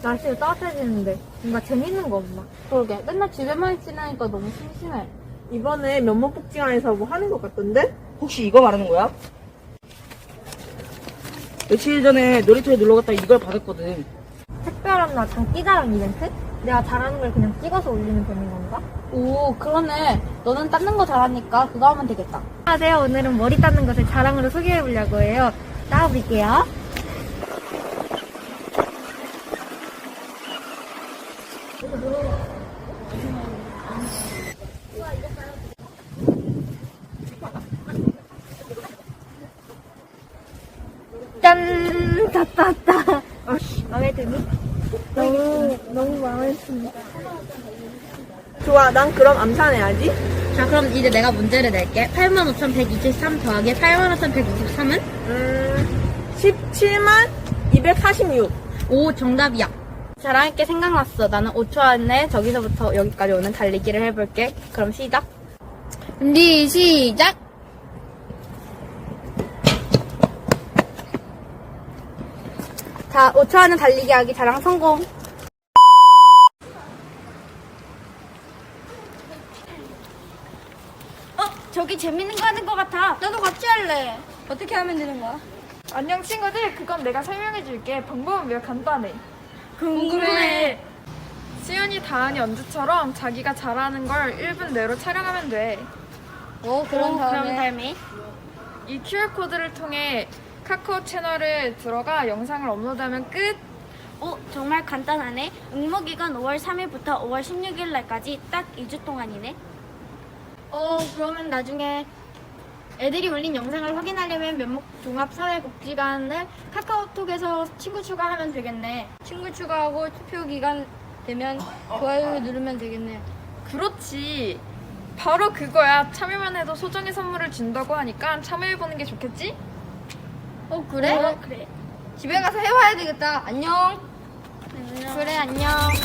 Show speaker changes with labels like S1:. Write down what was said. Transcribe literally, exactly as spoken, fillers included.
S1: 날씨가 따뜻해지는데 뭔가 재밌는 거 없나?
S2: 그러게. 맨날 집에만 있으니까 너무 심심해.
S3: 이번에 면목복지관에서 뭐 하는 것 같던데?
S4: 혹시 이거 말하는 거야? 며칠 전에 놀이터에 놀러 갔다 이걸 받았거든.
S1: 특별한 장기자랑 이벤트? 내가 잘하는 걸 그냥 찍어서 올리면 되는 건가?
S2: 오, 그러네. 너는 닦는 거 잘하니까 그거 하면 되겠다.
S1: 안녕하세요. 오늘은 머리 닦는 것을 자랑으로 소개해보려고 해요. 나와볼게요. 짠! 다 땄다. 마음에 드니? 너무, 너무 마음에 듭니다.
S3: 좋아, 난 그럼 암산해야지.
S2: 자, 그럼 이제 내가 문제를 낼게. 팔만 오천백이십삼 더하기 팔만 오천백이십삼은?
S3: 음, 십칠만 이백사십육.
S2: 오, 정답이야. 자랑할게 생각났어. 나는 오 초 안에 저기서부터 여기까지 오는 달리기를 해볼게. 그럼 시작. 준비, 시작! 자, 오 초 안에 달리기 하기 자랑 성공. 어, 저기 재밌는 거 하는 거 같아. 나도 같이 할래. 어떻게 하면 되는 거야?
S5: 안녕 친구들, 그건 내가 설명해 줄게. 방법은 매우 간단해.
S2: 궁금해.
S5: 수연이, 다은이, 언주처럼 자기가 잘하는 걸 일 분 내로 촬영하면 돼.
S2: 오, 그런 다음에?
S5: 이 큐알코드를 통해 카카오 채널에 들어가 영상을 업로드하면 끝.
S6: 어, 정말 간단하네. 응모기간 오월 삼일부터 오월 십육일 날까지 딱 이 주 동안이네.
S1: 어, 그러면 나중에 애들이 올린 영상을 확인하려면 면목 종합사회복지관을 카카오톡에서 친구 추가하면 되겠네. 친구 추가하고 투표 기간 되면 좋아요 누르면 되겠네.
S5: 그렇지. 바로 그거야. 참여만 해도 소정의 선물을 준다고 하니까 참여해보는 게 좋겠지?
S1: 어, 그래?
S6: 어, 그래.
S1: 집에 가서 해봐야 되겠다. 안녕.
S6: 안녕.
S1: 그래, 안녕.